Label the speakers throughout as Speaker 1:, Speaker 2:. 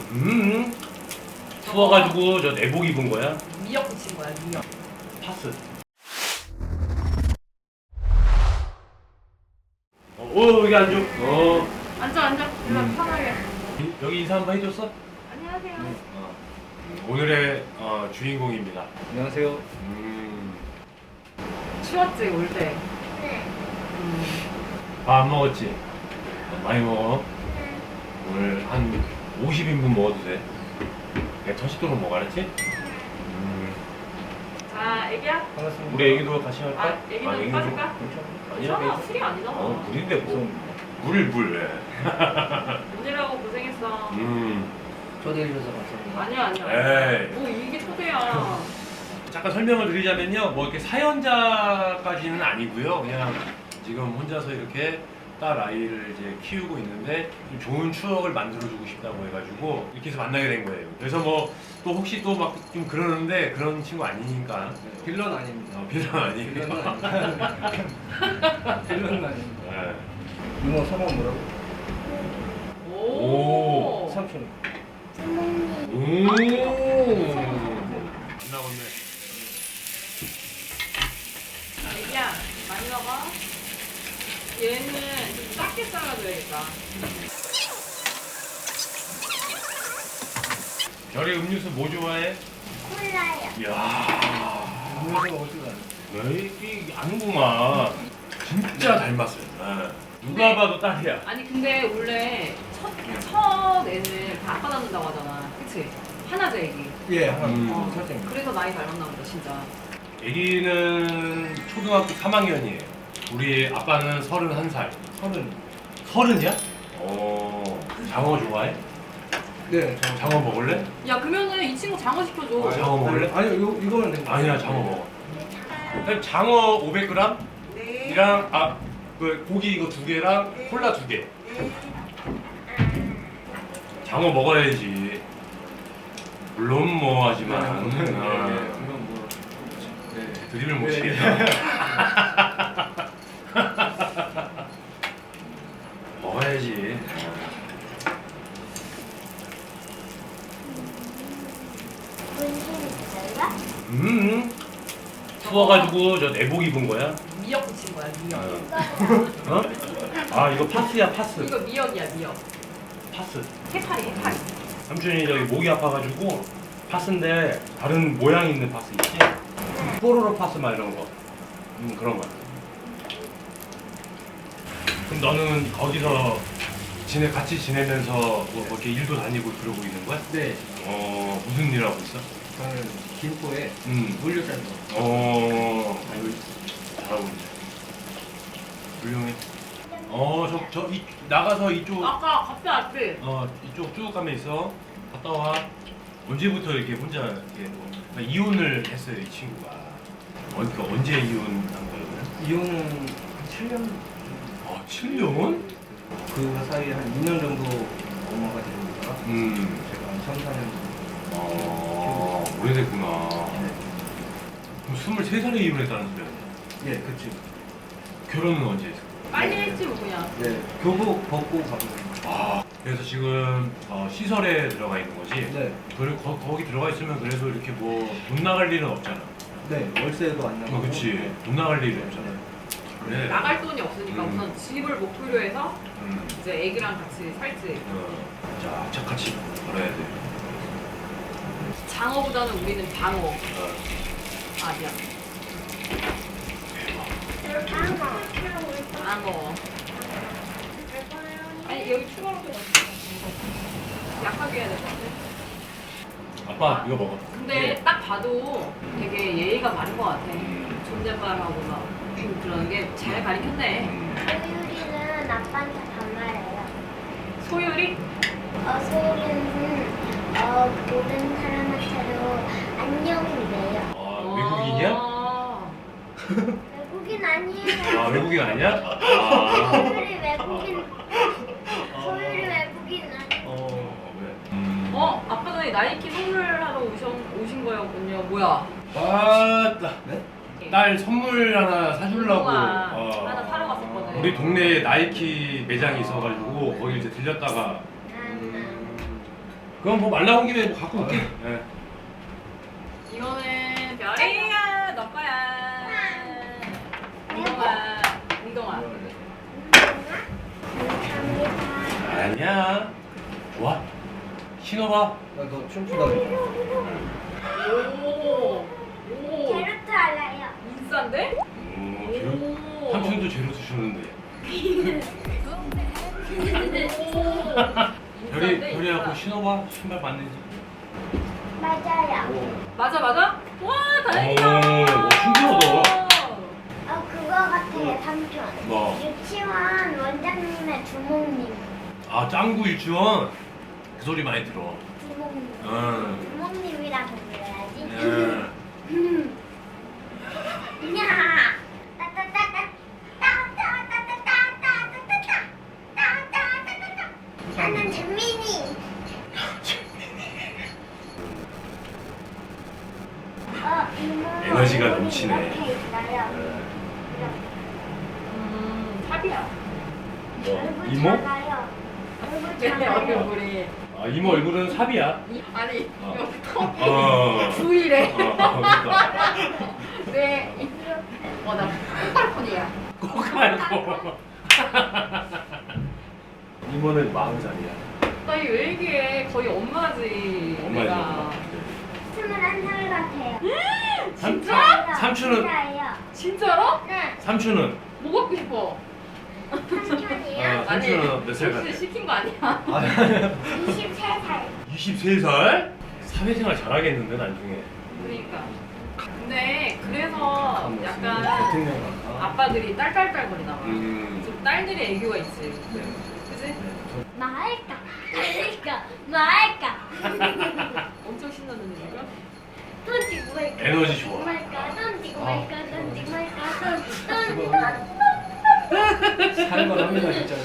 Speaker 1: 추워가지고 저 내복 입은 거야?
Speaker 2: 미역 붙인 거야, 미역.
Speaker 1: 파스. 여기 앉아.
Speaker 2: 앉아. 일로 편하게.
Speaker 1: 여기 인사 한번 해줬어?
Speaker 2: 안녕하세요.
Speaker 1: 오늘의 주인공입니다.
Speaker 3: 안녕하세요.
Speaker 2: 추웠지, 올 때?
Speaker 4: 네.
Speaker 1: 밥 안 먹었지? 많이 먹어. 오늘 한 50인분 먹어도 돼. 그냥 터식도록 먹어, 알았지?
Speaker 2: 자, 애기야?
Speaker 3: 반갑습니다.
Speaker 1: 우리 애기도 같이 할까?
Speaker 2: 아, 애기도 빠질까?
Speaker 1: 아니야.
Speaker 2: 괜찮아, 술이 아니잖아.
Speaker 1: 물인데 뭐. 물. 예.
Speaker 2: 오늘하고 고생했어.
Speaker 3: 초대해 주셔서 감사합니다.
Speaker 2: 아니야.
Speaker 1: 에이.
Speaker 2: 뭐 이게 초대야.
Speaker 1: 잠깐 설명을 드리자면요. 뭐 이렇게 사연자까지는 아니고요. 그냥 지금 혼자서 이렇게 딸 아이를 이제 키우고 있는데 좀 좋은 추억을 만들어주고 싶다고 해가지고 이렇게 해서 만나게 된 거예요. 그래서 뭐 또 혹시 또 막 좀 그러는데 그런 친구 아니니까.
Speaker 3: 빌런 아닙니다.
Speaker 1: 빌런 아니에요.
Speaker 3: 빌런은 아닙니다. 빌런은 아닙니다.
Speaker 1: 네.
Speaker 3: 이모 성함 뭐라고?
Speaker 1: 오.
Speaker 3: 삼촌.
Speaker 1: 오. 안 나오네.
Speaker 2: 애기야, 많이 먹어. 얘는 좀 작게 잘라줘야겠다.
Speaker 1: 별이 음료수 뭐 좋아해?
Speaker 4: 콜라요.
Speaker 1: 이야.
Speaker 3: 음료수 먹을 줄 아는.
Speaker 1: 이 아는구만. 진짜 닮았어요. 네. 누가 봐도 딸이야.
Speaker 2: 아니, 근데 원래 첫 애는 다 아빠 낳는다고 하잖아. 그치? 하나제 애기.
Speaker 3: 예, 하나.
Speaker 1: 음.
Speaker 2: 그래서 많이 닮았나 보다, 진짜.
Speaker 1: 애기는 초등학교 3학년이에요. 우리 아빠는 31살. 30이야? 장어 좋아해?
Speaker 3: 네.
Speaker 1: 장어 먹을래?
Speaker 2: 야, 그러면은 이 친구 장어 시켜줘.
Speaker 1: 장어 먹을래?
Speaker 3: 아니요, 이거는 됩니다.
Speaker 1: 아니야, 장어 먹어. 그럼 장어 500g?
Speaker 4: 네.
Speaker 1: 이랑 그 고기 이거 2개랑 콜라 2개. 장어 먹어야지. 물론 뭐 하지만
Speaker 3: 이건 뭐. 네.
Speaker 1: 드립을 못
Speaker 3: 네.
Speaker 1: 치겠다. 먹어야지.
Speaker 4: 문신 있어요?
Speaker 1: 추워가지고 저 내복 입은 거야?
Speaker 2: 미역 붙인 거야, 미역.
Speaker 1: 어? 아 이거 파스야 파스.
Speaker 2: 이거 미역이야, 미역.
Speaker 1: 파스.
Speaker 2: 해파리.
Speaker 1: 삼촌이 저기 목이 아파가지고 파스인데 다른 모양 있는 파스 있지? 뽀로로 파스 막 이런 거. 그런 거야. 그럼 너는 거기서 같이 지내면서 뭐 이렇게 일도 다니고 그러고 있는 거야?
Speaker 3: 네.
Speaker 1: 무슨 일 하고 있어?
Speaker 3: 저는 김포에 물류센터.
Speaker 1: 잘하고 있네. 훌륭해. 나가서 이쪽,
Speaker 2: 아까 갑자기 앞에.
Speaker 1: 이쪽 쭉 가면 있어. 갔다 와. 언제부터 이렇게 혼자 이렇게 이혼을 했어요, 이 친구가. 그러니까 언제 이혼한 거예요?
Speaker 3: 이혼은 한 7년.
Speaker 1: 7년?
Speaker 3: 그 사이에 한 2년 정도 엄마가 되니까 제가 한 3, 4년
Speaker 1: 오래됐구나.
Speaker 3: 네.
Speaker 1: 그럼 23살에 이혼했다는 소리야?
Speaker 3: 예, 그치.
Speaker 1: 결혼은 언제 했어?
Speaker 2: 빨리 했지, 뭐, 그냥.
Speaker 3: 네. 교복 벗고 가고.
Speaker 1: 그래서 지금 시설에 들어가 있는 거지?
Speaker 3: 네.
Speaker 1: 거기 들어가 있으면 그래도 이렇게 뭐 돈 나갈 일은 없잖아.
Speaker 3: 네, 월세도 안 나가고.
Speaker 1: 그치. 돈 나갈 일이 없잖아. 그래.
Speaker 2: 나갈 돈이 없으니까 우선 집을 목표로 해서
Speaker 1: 음.
Speaker 2: 이제 애기랑 같이 살지.
Speaker 1: 자, 착같이 걸어야 돼.
Speaker 2: 장어보다는 우리는 방어. 아, 미안. 방어. 아니, 여기 추가로 좀 약하게 해야 될 것 같아.
Speaker 1: 아빠, 이거 먹어.
Speaker 2: 근데 딱 봐도 되게 예의가 바른 것 같아. 존댓말하고 막 그러는 게 잘 가르쳤네.
Speaker 4: 소율이는 아빠한테 반말해요.
Speaker 2: 소율이?
Speaker 4: 소율이는 모든 사람한테도 안녕이래요.
Speaker 1: 외국인이야?
Speaker 4: 외국인 아니에요.
Speaker 1: 외국인 아니야?
Speaker 4: 소율이 외국인. 소율이 외국인 아니에요.
Speaker 1: 왜?
Speaker 2: 아까 전에 나이키 선물하러 오신 거였군요. 뭐야?
Speaker 1: 맞다.
Speaker 3: 네?
Speaker 1: 딸 선물 하나 사주려고.
Speaker 2: 운동화 하나 사러 갔었거든.
Speaker 1: 우리 동네에 나이키 매장이 있어가지고 거기 이제 들렸다가 그럼 뭐 말 나온 김에 뭐 갖고 올게. 예.
Speaker 2: 이거는 별이야 너 거야. 운동아 운동아.
Speaker 4: 감사합니다.
Speaker 1: 아니야. 좋아. 신어봐.
Speaker 3: 너 춤추다 그랬잖아.
Speaker 2: 오. 오.
Speaker 4: 제로트 알아요.
Speaker 2: 인싸인데?
Speaker 1: 제로.
Speaker 2: 오.
Speaker 1: 삼촌도 제로 쓰셨는데. 별이 갖고 신어봐. 신발 맞는지.
Speaker 4: 맞아요.
Speaker 2: 맞아 맞아? 와 다행이다.
Speaker 1: 오, 신기하다.
Speaker 4: 그거 같아요, 삼촌.
Speaker 1: 뭐?
Speaker 4: 유치원 원장님의 주몽님.
Speaker 1: 아 짱구 유치원. 그 소리 많이 들어.
Speaker 4: 주몽님.
Speaker 1: 응.
Speaker 4: 주몽님이라고 불러야지.
Speaker 1: 예.
Speaker 4: 야! 따따따따. 따따따따따따따따따따따따따. 나는 재민이. 이모.
Speaker 1: 에너지가 넘치네.
Speaker 4: 이렇게 있어요.
Speaker 2: 탑이야.
Speaker 1: 뭐
Speaker 4: 얼굴
Speaker 1: 이모?
Speaker 4: 작아요. 얼굴
Speaker 2: 내
Speaker 4: 작아요.
Speaker 2: 얼굴이.
Speaker 1: 아 이모 얼굴은 삽이야.
Speaker 2: 아니
Speaker 1: 어.
Speaker 2: 여기 턱이
Speaker 1: 어.
Speaker 2: 부위래.
Speaker 1: 그러니까.
Speaker 2: 네. 나 콩발콘이야.
Speaker 1: 꼭 알고. 이모는 40살이야.
Speaker 2: 나이 왜 얘기해? 거의 엄마지.
Speaker 1: 엄마의
Speaker 2: 내가.
Speaker 4: 21살 같아요.
Speaker 2: 진짜?
Speaker 1: 삼촌은
Speaker 4: 진짜예요.
Speaker 2: 진짜로?
Speaker 4: 네.
Speaker 1: 삼촌은
Speaker 2: 뭐 갖고 싶어?
Speaker 4: 삼촌이요.
Speaker 1: 삼촌은 몇 살 같아?
Speaker 2: 혹시 시킨 거 아니야?
Speaker 4: 23살.
Speaker 1: 23살? 사회생활 잘하겠는데 나중에.
Speaker 2: 그러니까. 근데 그래서 약간
Speaker 3: 대통령 같아.
Speaker 2: 아빠들이 딸딸딸거리나 봐.
Speaker 1: 음.
Speaker 2: 좀 딸들이 애교가 있지.
Speaker 3: 네.
Speaker 2: 그지?
Speaker 4: 말까? 말까?
Speaker 2: 엄청 신나는 얘기가?
Speaker 4: 던지고 말까?
Speaker 1: 에너지 좋아.
Speaker 4: 말까? 던지고
Speaker 1: 아.
Speaker 4: 말까? 던지고 말까? 던지고
Speaker 3: 살만합니다 진짜.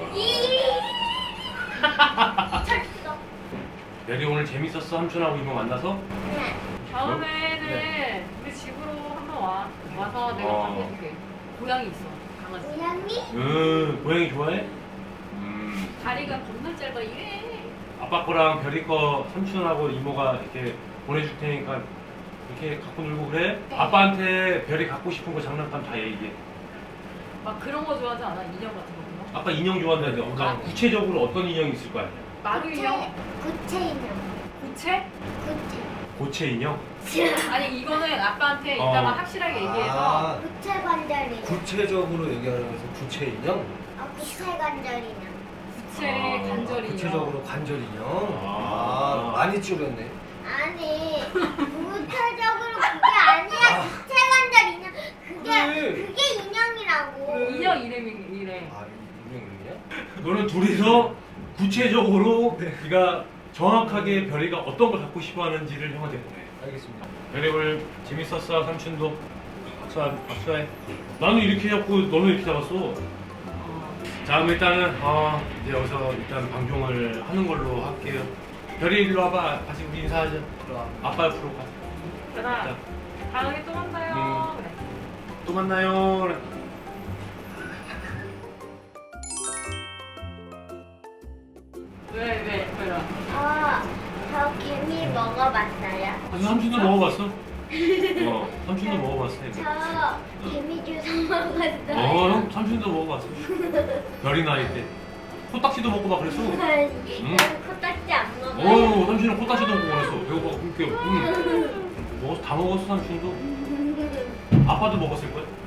Speaker 4: 쳤어.
Speaker 1: 별이 오늘 재밌었어 삼촌하고 이모 만나서?
Speaker 4: 네.
Speaker 2: 다음에는 우리 집으로 한번 와. 와서 내가 밥 해줄게. 고양이 있어. 강아지.
Speaker 4: 고양이?
Speaker 1: 고양이 좋아해?
Speaker 2: 다리가 겁나 짧아. 이래.
Speaker 1: 아빠 거랑 별이 거 삼촌하고 이모가 이렇게 보내줄 테니까 이렇게 갖고 놀고 그래?
Speaker 4: 네.
Speaker 1: 아빠한테 별이 갖고 싶은 거 장난감 다 얘기해.
Speaker 2: 막 그런 거 좋아하지 않아? 인형 같은 거?
Speaker 1: 아빠 인형 좋아한다는데
Speaker 2: 아.
Speaker 1: 구체적으로 어떤 인형이 있을 거 아니야?
Speaker 2: 마루 인형?
Speaker 4: 구체 인형.
Speaker 2: 고체?
Speaker 4: 구체.
Speaker 1: 고체 인형?
Speaker 2: 아니 이거는 아빠한테
Speaker 1: 어.
Speaker 2: 이따가 확실하게 얘기해서
Speaker 3: 아,
Speaker 4: 구체 관절 인형.
Speaker 3: 구체적으로 얘기하면서 구체 인형?
Speaker 4: 구체 관절 인형.
Speaker 2: 구체
Speaker 1: 아,
Speaker 2: 관절 인형.
Speaker 3: 구체적으로 관절 인형?
Speaker 1: 아.
Speaker 3: 많이 줄였네.
Speaker 4: 아니 구체적으로 그게 아니야. 구체 관절 인형.
Speaker 3: 그래.
Speaker 4: 그게 인형이라고.
Speaker 2: 인형 이름이 이래.
Speaker 3: 아, 인형 이름이야?
Speaker 1: 너는 둘이서 구체적으로 네가 정확하게 별이가 어떤 걸 갖고 싶어 하는지를 형한테 보내.
Speaker 3: 알겠습니다.
Speaker 1: 별이 오늘 재밌었어 삼촌도. 박수해. 나는 이렇게 잡고 너는 이렇게 잡았어. 자 그럼 일단은 이제 여기서 일단 방송을 하는 걸로 할게요. 별이 일로 와봐. 같이 우리 인사하자.
Speaker 3: 들어와.
Speaker 1: 아빠 옆으로 가.
Speaker 2: 그래. 다음에 또 만나요. 그래.
Speaker 1: 또 만나요. 그래.
Speaker 2: 왜?
Speaker 4: 저 개미 먹어봤어요.
Speaker 1: 삼촌도 먹어봤어? 삼촌도 먹어봤어.
Speaker 4: 저 개미 주워 먹었어요.
Speaker 1: 형 삼촌도 먹어봤어. 별이 나이 때. 코딱지도 먹고 막 그랬어.
Speaker 4: 난 코딱지 안 먹어요.
Speaker 1: 삼촌은 코딱지도 먹고 그랬어. 배고파 굶겨. 먹었어, 다 먹었어 삼촌도. 아빠도 먹었을 거야.